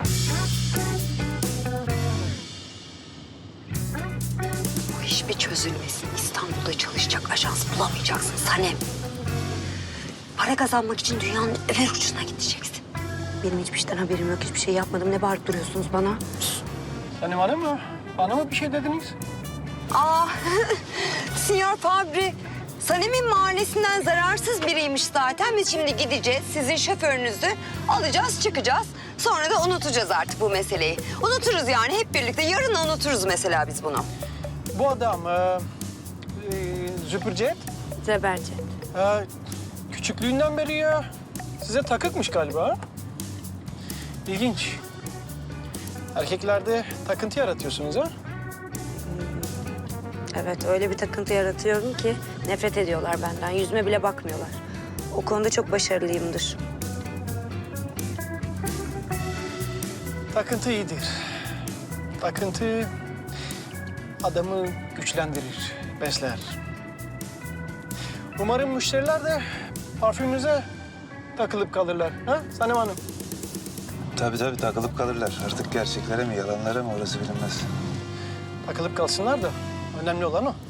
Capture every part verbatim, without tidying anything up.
Bu iş bir çözülmesin. İstanbul'da çalışacak ajans bulamayacaksın Sanem. Para kazanmak için dünyanın öbür ucuna gideceksin. Benim hiçbir şeyden haberim yok. Hiçbir şey yapmadım. Ne bağırıp duruyorsunuz bana? Sanem Hanım mı? Bana mı bir şey dediniz? Aa, Sinyor Fabri, Sanem'in mahallesinden zararsız biriymiş zaten. Biz şimdi gideceğiz, sizin şoförünüzü alacağız, çıkacağız. Sonra da unutacağız artık bu meseleyi. Unuturuz yani hep birlikte. Yarın unuturuz mesela biz bunu. Bu adam, e, e, Züpürcet, Zebercet. e, küçüklüğünden beri ya size takıkmış galiba. Ha? İlginç. Erkeklerde takıntı yaratıyorsunuz ha? Evet, öyle bir takıntı yaratıyorum ki nefret ediyorlar benden. Yüzüme bile bakmıyorlar. O konuda çok başarılıyımdır. Takıntı iyidir. Takıntı adamı güçlendirir, besler. Umarım müşteriler de parfümünüze takılıp kalırlar. Ha Sanem Hanım? Tabii tabii takılıp kalırlar. Artık gerçeklere mi yalanlara mı orası bilinmez. Takılıp kalsınlar da önemli olan o.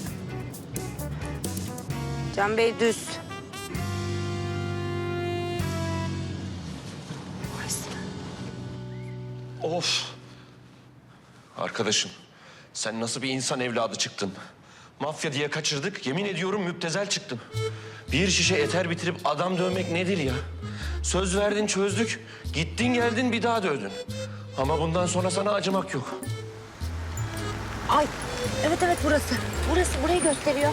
Can Bey düz. Of! Arkadaşım, sen nasıl bir insan evladı çıktın? Mafya diye kaçırdık, yemin ediyorum müptezel çıktım. Bir şişe eter bitirip adam dövmek nedir ya? Söz verdin çözdük, gittin geldin bir daha dövdün. Ama bundan sonra sana acımak yok. Ay, evet evet burası. Burası, burayı gösteriyor.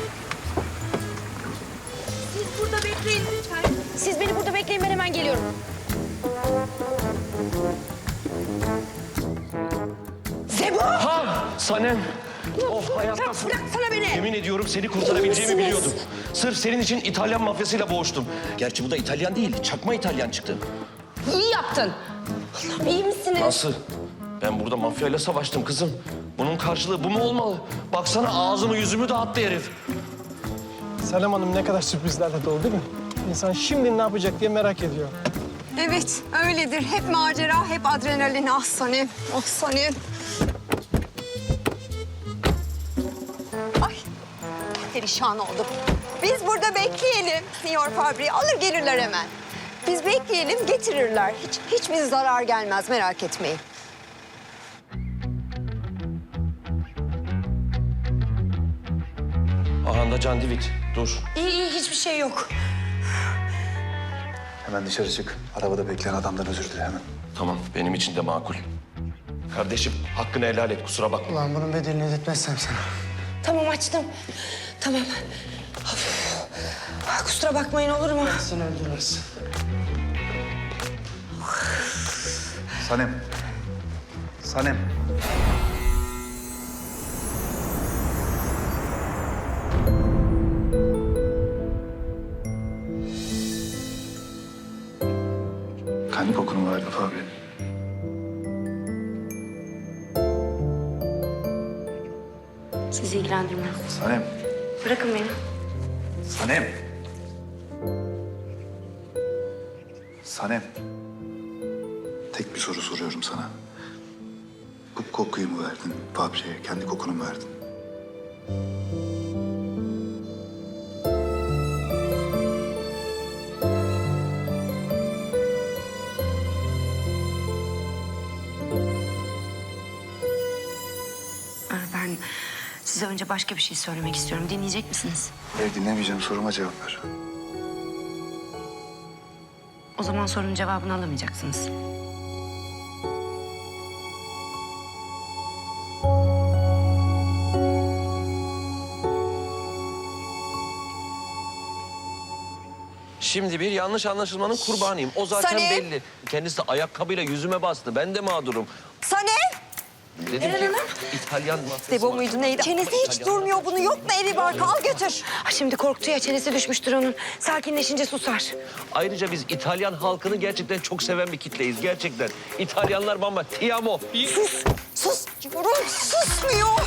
Siz burada bekleyin lütfen. Siz beni burada bekleyin, ben hemen geliyorum. Zebo! Ha! Sanem! Oh hayattasın. Bıraksana beni! Yemin ediyorum seni kurtarabileceğimi İyi misiniz? biliyordum. Sırf senin için İtalyan mafyasıyla boğuştum. Gerçi bu da İtalyan değil, çakma İtalyan çıktı. İyi yaptın. Allah'ım iyi misiniz? Nasıl? Ben burada mafyayla savaştım kızım. Bunun karşılığı bu mu olmalı? Baksana ağzımı yüzümü dağıttı herif. Sanem Hanım ne kadar sürprizlerle dolu değil mi? İnsan şimdi ne yapacak diye merak ediyor. Evet, öyledir. Hep macera, hep adrenalin. Ah Sanem, ah Sanem. Ay, perişan oldum. Biz burada bekleyelim Sinyor Fabri. Alır gelirler hemen. Biz bekleyelim, getirirler. Hiç, hiçbir zarar gelmez, merak etmeyin. Ahanda Can Divit, dur. İyi, iyi, hiçbir şey yok. Hemen dışarı çık. Arabada bekleyen adamdan özür dile hemen. Tamam, benim için de makul. Kardeşim, hakkını helal et, kusura bakma. Ulan bunun bedelini ödetmezsem sana. Tamam açtım. Tamam. Of. Ah, kusura bakmayın olur mu? Seni öldürürüz. Sanem. Sanem. Kendi kokunu verdi Fabri. Sizi ilgilendirmez. Sanem. Bırakın beni. Sanem. Sanem. Tek bir soru soruyorum sana. Bu kokuyu mu verdin Fabri'ye? Kendi kokunu mu verdin? Ah, ben size önce başka bir şey söylemek istiyorum. Dinleyecek misiniz? Hayır dinlemeyeceğim. Soruma cevap ver. O zaman sorunun cevabını alamayacaksınız. Şimdi bir yanlış anlaşılmanın kurbanıyım. O zaten Sanem. belli. Kendisi de ayakkabıyla yüzüme bastı. Ben de mağdurum. Sanem! Dedim ki İtalyan mafyası. Zebo muydu neydi? Çenesi hiç İtalyan- durmuyor. Bunu yok mu evi barkı? Al götür. Ah, şimdi korktu ya, çenesi düşmüştür onun. Sakinleşince susar. Ayrıca biz İtalyan halkını gerçekten çok seven bir kitleyiz. Gerçekten. İtalyanlar bamba. Ti amo. Sus, sus. Diyorum, susmuyor.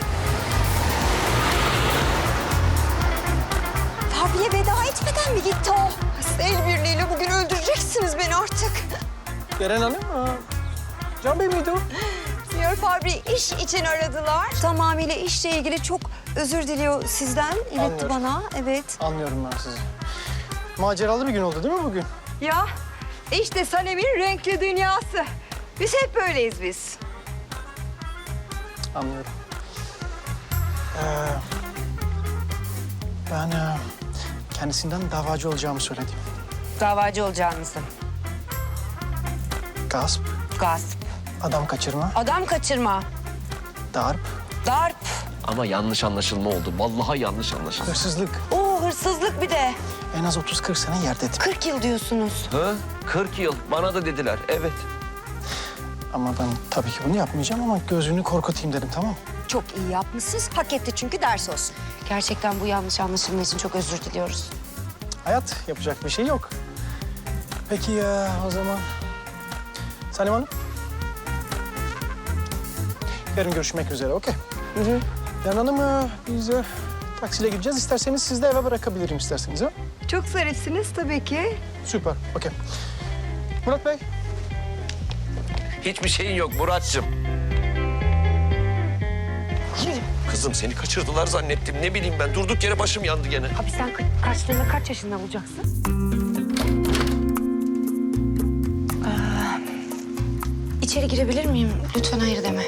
Fabri'ye veda etmeden mi gitti o? El birliğiyle bugün öldüreceksiniz beni artık. Beren Hanım, ha, Can Bey miydi o? Sinyor Fabri iş için aradılar. Tamamıyla işle ilgili çok özür diliyor sizden. İletti Anlıyorum. bana. Evet. Anlıyorum ben sizi. Maceralı bir gün oldu değil mi bugün? Ya işte Sanem'in renkli dünyası. Biz hep böyleyiz biz. Anlıyorum. Ee, ben e, kendisinden davacı olacağımı söyledim. Davacı olacağınızı. Gasp, Gasp. adam kaçırma, Adam kaçırma. darp, Darp. Ama yanlış anlaşılma oldu. Vallahi yanlış anlaşılma. hırsızlık. Oo hırsızlık bir de. En az otuz kırk sene yerde ettim. kırk yıl diyorsunuz. Ha? kırk yıl. Bana da dediler. Evet. Ama ben tabii ki bunu yapmayacağım ama gözünü korkutayım dedim, tamam mı? Çok iyi yapmışsınız. Hak etti çünkü ders olsun. Gerçekten bu yanlış anlaşılma için çok özür diliyoruz. Hayat, yapacak bir şey yok. Peki ya o zaman... Sanem Hanım? Yarın görüşmek üzere, okey. Hı hı. Yarın Hanım, e, biz e, taksiyle gideceğiz. İsterseniz siz de eve bırakabilirim isterseniz, ha? Çok zarifsiniz tabii ki. Süper, okey. Murat Bey, Hiçbir şeyin yok Muratcığım. Kızım seni kaçırdılar zannettim. Ne bileyim ben. Durduk yere başım yandı gene. Abi sen ka- kaçtığında kaç yaşında olacaksın? Ee, içeri girebilir miyim? Lütfen hayır deme.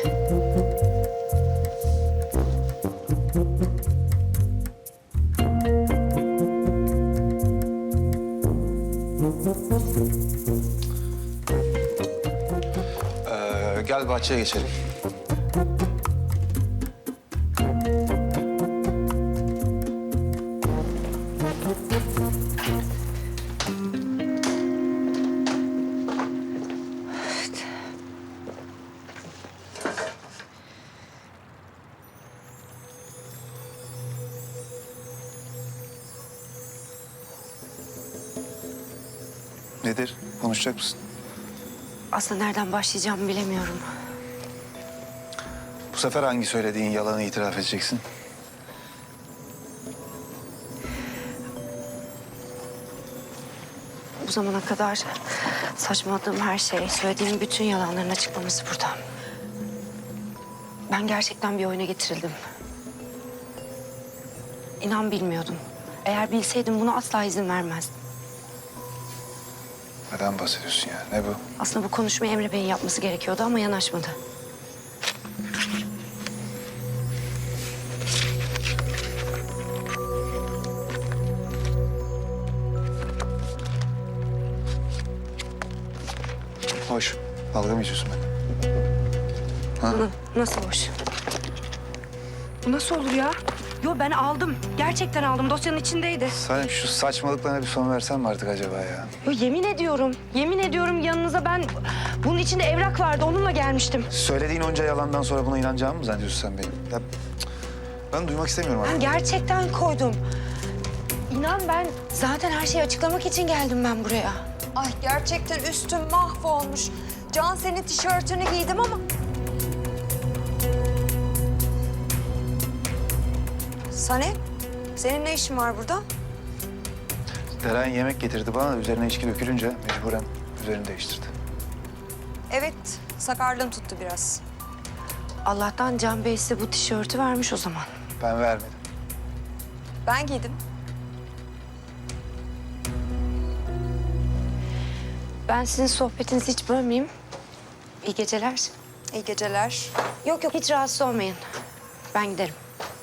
Ee, gel bahçeye geçelim. Nedir? Konuşacak mısın? Aslında nereden başlayacağımı bilemiyorum. Bu sefer hangi söylediğin yalanı itiraf edeceksin? Bu zamana kadar saçmaladığım her şey, söylediğim bütün yalanların açıklaması burada. Ben gerçekten bir oyuna getirildim. İnan bilmiyordum. Eğer bilseydim buna asla izin vermezdim. Neden bahsediyorsun ya? Ne bu? Aslında bu konuşmayı Emre Bey'in yapması gerekiyordu ama yanaşmadı. Hoş. Dalga mı geçiyorsun benimle? Ha? Na- nasıl hoş? Bu nasıl olur ya? Yo ben aldım. Gerçekten aldım. Dosyanın içindeydi. Salim şu saçmalıklarına bir son versen mi artık acaba ya? Yo yemin ediyorum. Yemin ediyorum yanınıza ben... Bunun içinde evrak vardı. Onunla gelmiştim. Söylediğin onca yalandan sonra buna inanacağımı mı zannediyorsun sen benim? Ya, cık, ben duymak istemiyorum Ben artık. gerçekten koydum. İnan ben zaten her şeyi açıklamak için geldim ben buraya. Ay gerçekten üstüm mahvolmuş. Can senin tişörtünü giydim ama... Sanem, senin ne işin var burada? Deren yemek getirdi bana, üzerine içki dökülünce mecburen üzerini değiştirdi. Evet, sakarlığım tuttu biraz. Allah'tan Can Bey size bu tişörtü vermiş o zaman. Ben vermedim. Ben giydim. Ben sizin sohbetinizi hiç bölmeyeyim. İyi geceler. İyi geceler. Yok yok hiç rahatsız olmayın. Ben giderim.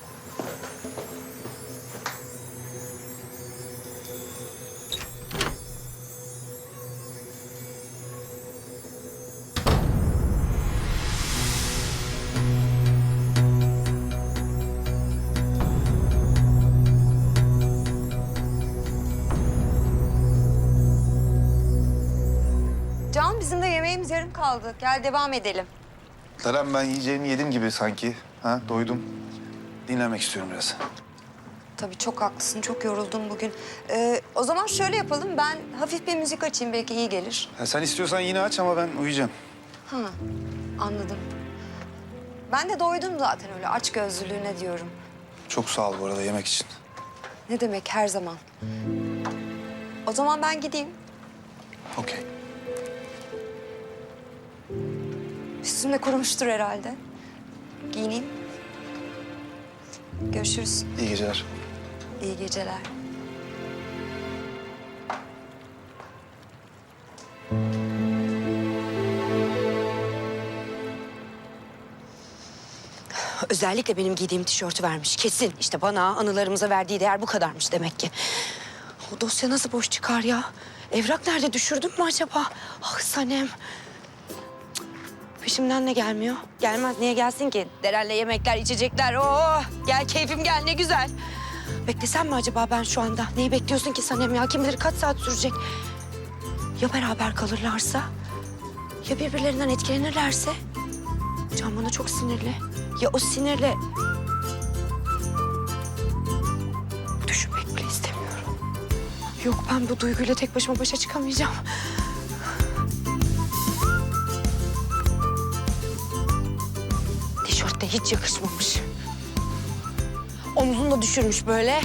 Can, bizim de yemeğimiz yarım kaldı. Gel devam edelim. Deren ben yiyeceğimi yedim gibi sanki. Ha, doydum. Dinlenmek istiyorum biraz. Tabii çok haklısın, çok yoruldum bugün. Ee, o zaman şöyle yapalım, ben hafif bir müzik açayım, belki iyi gelir. Ya sen istiyorsan yine aç ama ben uyuyacağım. Ha, anladım. Ben de doydum zaten öyle aç gözlülüğüne diyorum. Çok sağ ol bu arada yemek için. Ne demek her zaman. O zaman ben gideyim. Okey. Üstümde kurumuştur herhalde. Giyineyim. Görüşürüz. İyi geceler. İyi geceler. Özellikle benim giydiğim tişörtü vermiş. Kesin. İşte bana anılarımıza verdiği değer bu kadarmış demek ki. O dosya nasıl boş çıkar ya? Evrak nerede? Düşürdüm mü acaba? Ah Sanem. Cık. Peşimden ne gelmiyor? Gelmez. Niye gelsin ki? Deren'le yemekler, içecekler. Oh! Gel keyfim gel ne güzel. Beklesem mi acaba ben şu anda? Neyi bekliyorsun ki Sanem ya? Kim bilir kaç saat sürecek? Ya beraber kalırlarsa? Ya birbirlerinden etkilenirlerse? Can bana çok sinirli. Ya o sinirle... Düşünmek bile istemiyorum. Yok ben bu duyguyla tek başıma başa çıkamayacağım. Tişört de hiç yakışmamış. Omzunu da düşürmüş böyle.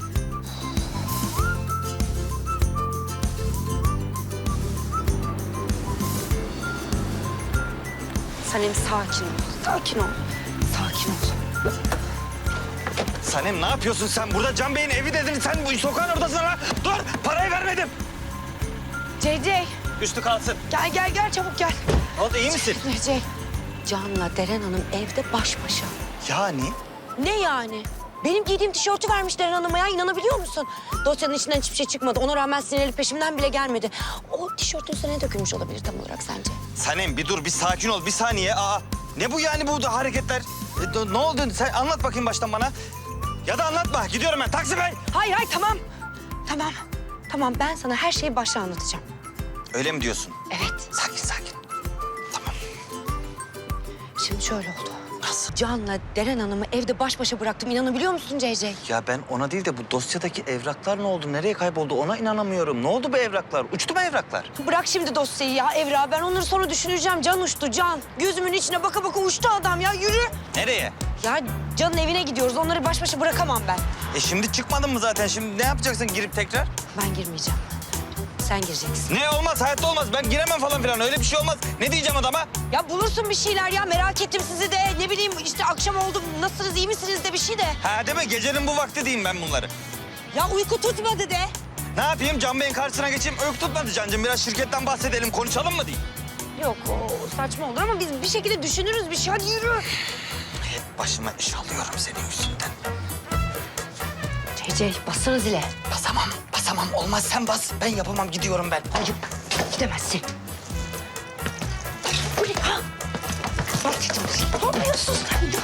Sanem sakin ol, sakin ol. Sakin ol. Sanem ne yapıyorsun sen? Burada Can Bey'in evi dedin. Sen bu sokağın ortasına lan. Dur! Parayı vermedim. C C Üstü kalsın. gel gel gel çabuk gel. Ne oldu? İyi misin? C C Can'la Deren Hanım evde baş başa. Yani? Ne yani? Benim giydiğim tişörtü vermiş Deren Hanım'a ya inanabiliyor musun? Dosyanın içinden hiçbir şey çıkmadı. Ona rağmen sinirli peşimden bile gelmedi. O tişörtün üstüne ne dökülmüş olabilir tam olarak sence? Sanem bir dur, bir sakin ol. Bir saniye. Aa, ne bu yani bu hareketler? E, do- ne oldu? Sen anlat bakayım baştan bana. Ya da anlatma. Gidiyorum ben. Taksi Bey! Hayır hayır tamam. Tamam. Tamam ben sana her şeyi başta anlatacağım. Öyle mi diyorsun? Evet. Sakin sakin. Tamam. Şimdi şöyle oldu. Nasıl? Can'la Deren Hanım'ı evde baş başa bıraktım. İnanabiliyor musun C C? Ya ben ona değil de bu dosyadaki evraklar ne oldu? Nereye kayboldu? Ona inanamıyorum. Ne oldu bu evraklar? Uçtu mu evraklar? Bırak şimdi dosyayı ya Evra. Ben onları sonra düşüneceğim. Can uçtu Can. Gözümün içine baka baka uçtu adam ya. Yürü. Nereye? Ya Can'ın evine gidiyoruz. Onları baş başa bırakamam ben. E şimdi çıkmadın mı zaten? Şimdi ne yapacaksın girip tekrar? Ben girmeyeceğim. Sen gireceksin. Ne olmaz? Hayatta olmaz. Ben giremem falan filan. Öyle bir şey olmaz. Ne diyeceğim adama? Ya bulursun bir şeyler ya. Merak ettim sizi de. Ne bileyim işte akşam oldu. Nasılsınız, iyi misiniz de bir şey de. Ha değil mi? Gecenin bu vakti diyeyim ben bunları. Ya uyku tutmadı de. Ne yapayım? Can Bey'in karşısına geçeyim. Uyku tutmadı Can'cığım. Biraz şirketten bahsedelim. Konuşalım mı diyeyim? Yok o saçma olur ama biz bir şekilde düşünürüz bir şey. Hadi yürü. Hep başıma iş alıyorum senin yüzünden. C C bassana zile. Basamam. Basamam. Olmaz sen bas. Ben yapamam. Gidiyorum ben. Hayır gidemezsin. Bu ne ha? Bak dedim. Ne yapıyorsun sen ya?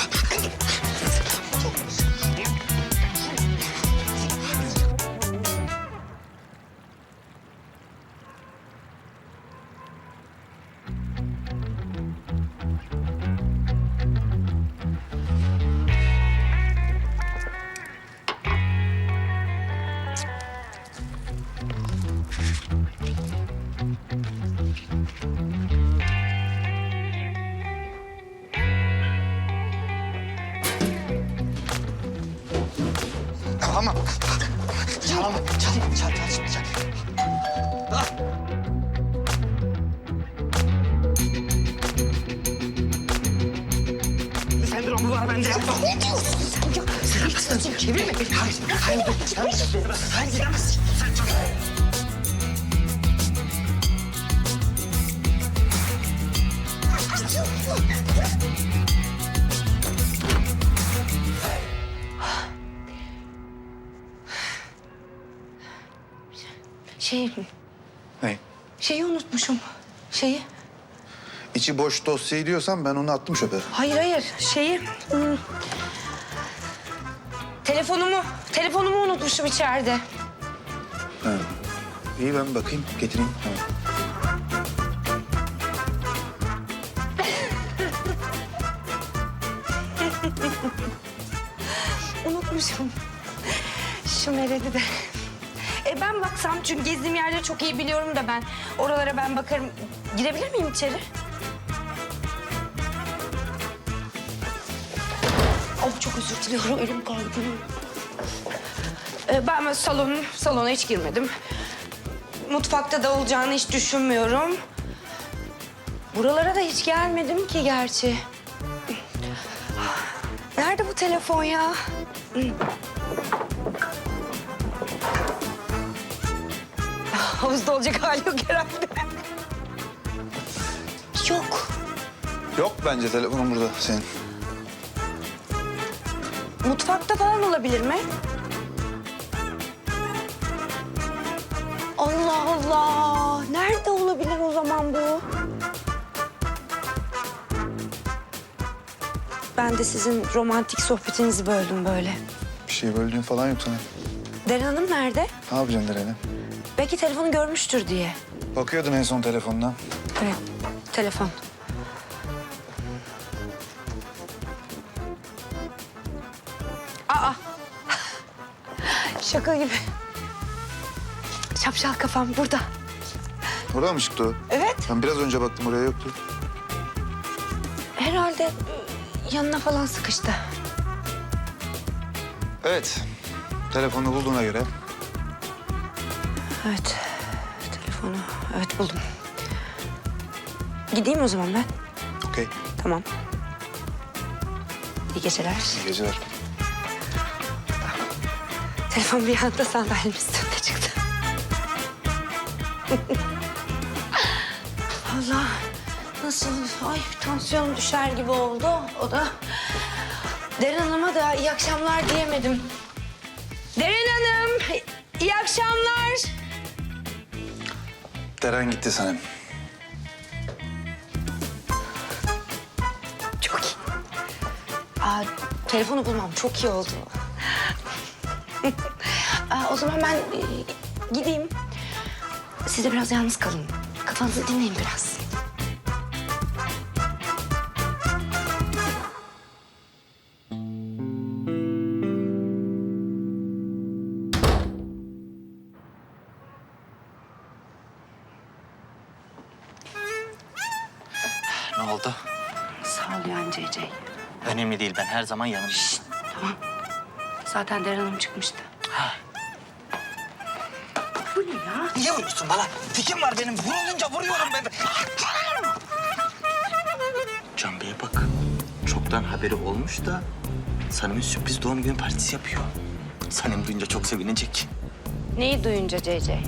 Tamam. Çalama. Çal. Çal. Çal. Şimdi çal. Ah. Sendromu var bende. Ne diyorsun sen ya? Sen gitsin çevirme beni. Hayır. Hayır. Hayır. Sen gidemezsin. Sen çal. Şey, Ne? şeyi unutmuşum. Şeyi. İçi boş dosyayı diyorsan ben onu attım çöpe. Hayır hayır şeyi. hmm, Telefonumu, telefonumu unutmuşum içeride. Ha. İyi ben bakayım getireyim. Tamam. Unutmuşum. Şu Meral'i de. E ben baksam çünkü gezdiğim yerleri çok iyi biliyorum da ben. Oralara ben bakarım. Girebilir miyim içeri? Oh çok özür diliyorum. Elim kaydı. E, ben salon, salona hiç girmedim. Mutfakta da olacağını hiç düşünmüyorum. Buralara da hiç gelmedim ki gerçi. Nerede bu telefon ya? Havuzda olacak hali yok herhalde. Yok. Yok bence telefonun burada senin. Mutfakta falan olabilir mi? Allah Allah. Nerede olabilir o zaman bu? Ben de sizin romantik sohbetinizi böldüm böyle. Bir şey böldüğün falan yok sana. Deren Hanım nerede? Ne yapacaksın Deren'e? Belki telefonu görmüştür diye. Bakıyordun en son telefonuna. Evet, telefon. Aa! Şaka gibi. Şapşal kafam burada. Oraya mı çıktı o? Evet. Ben biraz önce baktım oraya yoktu. Herhalde ı, yanına falan sıkıştı. Evet. Telefonu bulduğuna göre. Evet, telefonu. Evet, buldum. Gideyim o zaman ben. Okey. Tamam. İyi geceler. İyi geceler. Telefon bir anda sandalyenin üstünde çıktı. Allah, nasıl? Ay, tansiyonum düşer gibi oldu. O da Deren Hanım'a da iyi akşamlar diyemedim. Deren Hanım, iyi akşamlar. Deren gitti Sanem. Çok iyi. Aa, telefonu bulmam çok iyi oldu. Aa, o zaman ben e, gideyim. Siz de biraz yalnız kalın. Kafanızı dinleyin biraz. Ne oldu? Sağ ol yani C C. Önemli değil, ben her zaman yanımdayım. Tamam. Zaten Deren Hanım çıkmıştı. Bu ne ya? Niye vuruyorsun bana? Tikim var benim. Vurulunca vuruyorum ben. Can Bey'e bak. Çoktan haberi olmuş da Sanem'in sürpriz doğum günü partisi yapıyor. Sanem duyunca çok sevinecek. Neyi duyunca C C?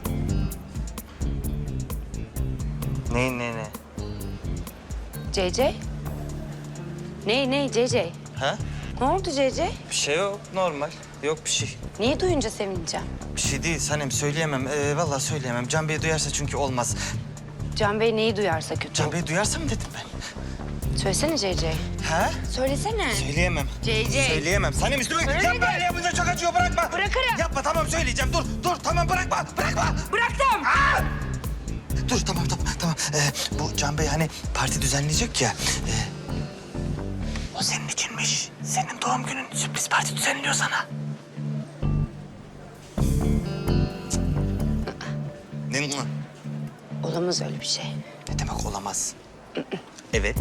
Ne ne ne? C C? Ne ne C C? Ha? Ne oldu C C? Bir şey yok, normal. Yok bir şey. Neyi duyunca sevineceğim? Bir şey değil Sanem, söyleyemem. Ee, vallahi söyleyemem. Can Bey duyarsa çünkü olmaz. Can Bey neyi duyarsa kötü Can olur. Bey duyarsa mı dedim ben? Söylesene C C. Ha? Söylesene. Söyleyemem. C C. Söyleyemem. Sanem üstüme Söyle yapma, de. öyle yapınca çok acıyor, bırakma. Bırakırım. Yapma, tamam söyleyeceğim. Dur, dur, tamam bırakma, bırakma. Bıraktım. Aa! Dur, tamam, tamam, tamam. Ee, bu Can Bey hani parti düzenleyecek ya. Ee, o senin içinmiş. Senin doğum günün sürpriz parti düzenliyor sana. Ne mi? Olamaz öyle bir şey. Ne demek olamaz? Evet.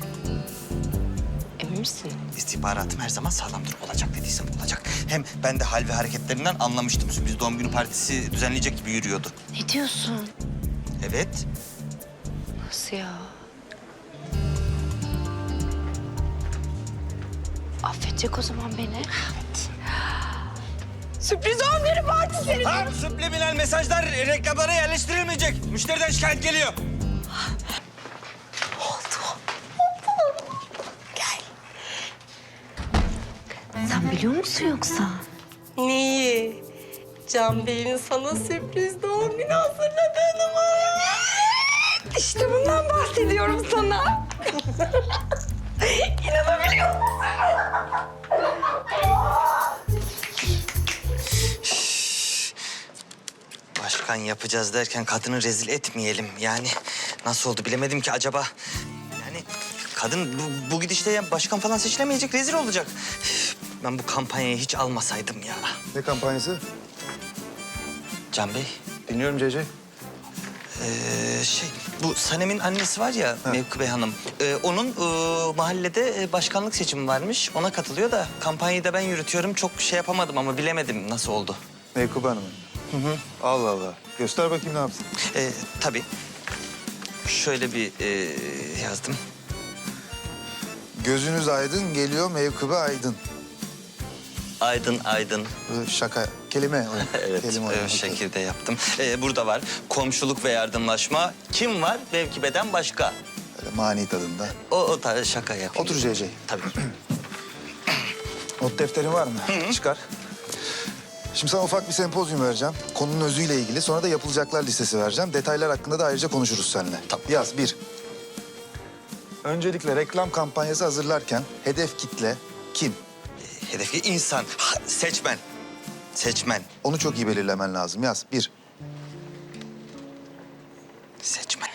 Emin misin? İstihbaratım her zaman sağlamdır. Olacak dediysem olacak. Hem ben de hal ve hareketlerinden anlamıştım. Sürpriz doğum günü partisi düzenleyecek gibi yürüyordu. Ne diyorsun? Evet. Nasıl ya? Affedecek o zaman beni. Evet. Sürpriz doğum günü partisi. Tamam, subliminal mesajlar reklamlara yerleştirilmeyecek. Müşteriden şikayet geliyor. Oldu. Oldu. Gel. Sen biliyor musun yoksa? Neyi? Can Bey'in sana sürpriz doğum günü hazırladığını mı? İşte bundan bahsediyorum sana. İnanabiliyor musun? Başkan yapacağız derken kadını rezil etmeyelim. Yani nasıl oldu bilemedim ki acaba. Yani kadın bu, bu gidişte ya başkan falan seçilemeyecek, rezil olacak. Üf, ben bu kampanyayı hiç almasaydım ya. Ne kampanyası? Can Bey, Dinliyorum C C. ee, şey bu Sanem'in annesi var ya Mevkübe Hanım. Ee, onun ee, mahallede ee, başkanlık seçimi varmış. Ona katılıyor da kampanyayı da ben yürütüyorum. Çok şey yapamadım ama bilemedim nasıl oldu. Meykup Hanım'ın. Hı hı. Allah Allah. Göster bakayım ne yaptın. Ee, tabii. şöyle bir e, yazdım. Gözünüz aydın geliyor mevkıbe aydın. Aydın aydın. Böyle şaka, kelime oyunu. Evet, kelime o oyunu. şekilde yaptım. Ee, burada var komşuluk ve yardımlaşma. Kim var mevkibeden başka? Böyle mani tadında. O, o tarz şaka yapayım. Otur C C. Tabii. Not defterin var mı? Çıkar. Şimdi sana ufak bir sempozyum vereceğim. Konunun özüyle ilgili. Sonra da yapılacaklar listesi vereceğim. Detaylar hakkında da ayrıca konuşuruz seninle. Tamam. Yaz bir. Öncelikle reklam kampanyası hazırlarken hedef kitle kim? Hedefi insan, ha, seçmen. Seçmen, Onu çok iyi belirlemen lazım. Yaz bir. seçmen.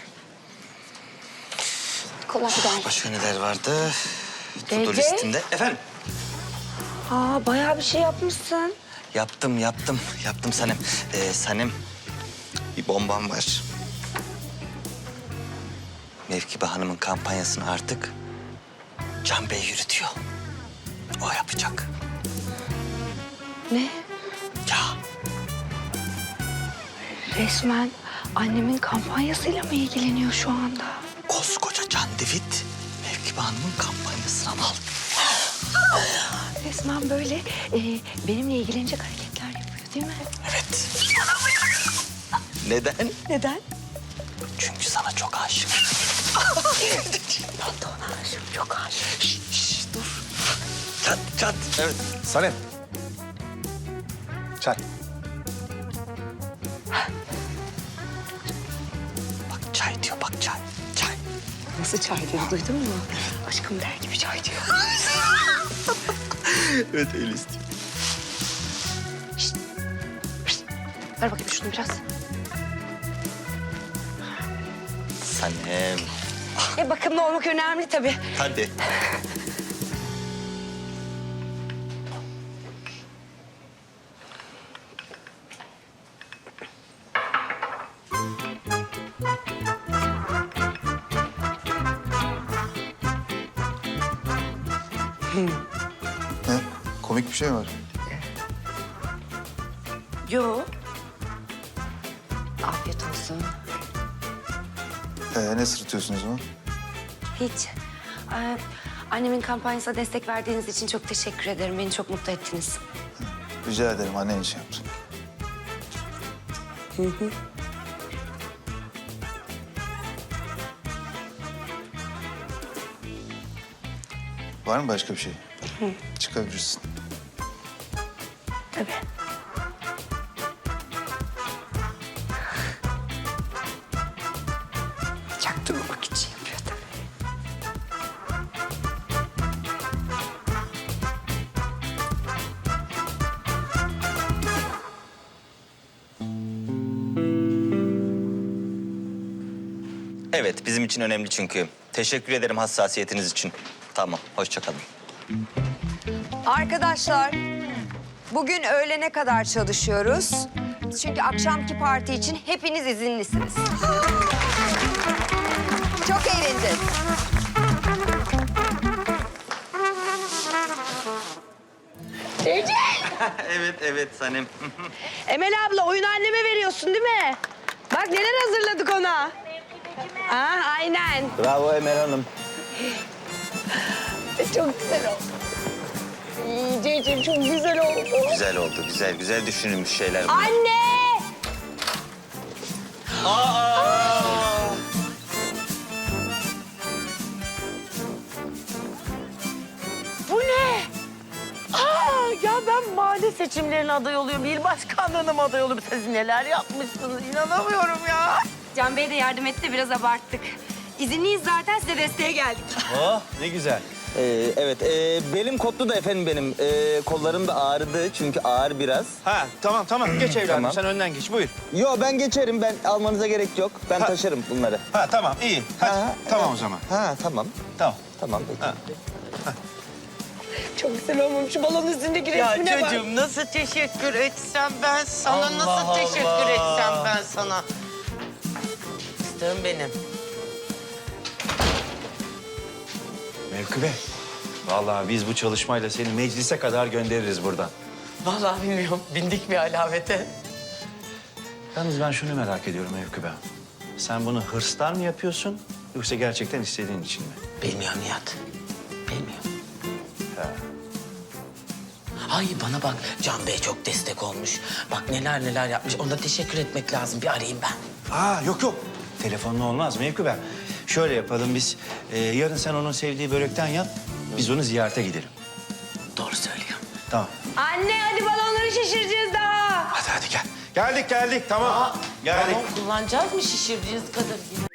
Kolay gelsin. Başka neler vardı? C To-do C? listinde. Efendim? Aa bayağı bir şey yapmışsın. Yaptım, yaptım. Yaptım Sanem. Ee, Sanem, bir bombam var. Mevkibe Hanım'ın kampanyasını artık Can Bey yürütüyor. O yapacak. Ne? Ya, Resmen annemin kampanyasıyla mı ilgileniyor şu anda? koskoca Can David Mevkibe Hanım'ın kampanyasını al. Resmen böyle e, benimle ilgilenecek hareketler yapıyor değil mi? Evet. Neden? Neden? Çünkü sana çok aşık. Ben de ona aşığım, çok aşığım. Şş, şş, dur. Çat, çat. Evet. Sanem. Çay. Bak çay diyor, bak çay. Çay. Nasıl çay diyor, duydun mu? Aşkım der gibi çay diyor. Evet, öyle istiyor. Ver bakayım şunu biraz. Sanem. E bakımlı olmak önemli tabii. Hadi. Ne? Komik bir şey mi var? Yo. Afiyet olsun. Ee, ne sırıtıyorsunuz o? Hiç. Ee, annemin kampanyasına destek verdiğiniz için çok teşekkür ederim. Beni çok mutlu ettiniz. Rica ederim, annen için yaptım. Var mı başka bir şey? Çıkabilirsin. Tabii. Çaktırmamak için yapıyor tabii. Evet, bizim için önemli çünkü. Teşekkür ederim hassasiyetiniz için. Tamam, hoşça kalın. Arkadaşlar, bugün öğlene kadar çalışıyoruz. Çünkü akşamki parti için hepiniz izinlisiniz. Çok eğleneceğiz. Evet, evet Sanem. Emel abla oyunu anneme veriyorsun değil mi? Bak neler hazırladık ona. Aa, aynen. Bravo Emel Hanım. Çok güzel oldu. İyice çok güzel oldu. Güzel oldu, güzel, güzel düşünülmüş şeyler bunlar. Anne! Bu ne? Aa, ya ben mahalle seçimlerine aday oluyorum. İl başkanlığına mı aday oluyorum? Siz neler yapmışsınız? İnanamıyorum ya. Can Bey de yardım etti, biraz abarttık. İzinliyiz zaten, size desteğe geldik. Oh, ne güzel. Ee, evet, e, belim koptu da efendim benim. Ee, kollarım da ağrıdı çünkü ağır biraz. Ha, tamam tamam. Geç evladım. Tamam. Sen önden geç. Buyur. Yo ben geçerim, ben almanıza gerek yok. Ben Ha. taşırım bunları. Ha, tamam. iyi. Hadi. Ha, tamam evet. o zaman. Ha tamam, Tamam. tamam peki. Ha. Çok güzel olmuş. Şu balonun üstündeki resmine bak. nasıl teşekkür etsem ben sana? Allah nasıl teşekkür Allah. etsem ben sana? Fıstığım benim. Mevkübe. Vallahi biz bu çalışmayla seni meclise kadar göndeririz buradan. Vallahi bilmiyorum. Bindik bir alamete. Yalnız ben şunu merak ediyorum Mevkübe. sen bunu hırstan mı yapıyorsun yoksa gerçekten istediğin için mi? Bilmiyorum Nihat. Bilmiyorum. Ay bana bak Can Bey çok destek olmuş. Bak neler neler yapmış. Ona teşekkür etmek lazım. Bir arayayım ben. Aa yok yok. Telefonla olmaz Mevku ben. Şöyle yapalım biz. e, yarın sen onun sevdiği börekten yap. Biz onu ziyarete gidelim. Doğru söylüyor. Tamam. Anne hadi balonları şişireceğiz daha. Hadi hadi gel. Geldik geldik tamam. Geldik. Balon kullanacağız mı şişirdiğiniz kadar yine?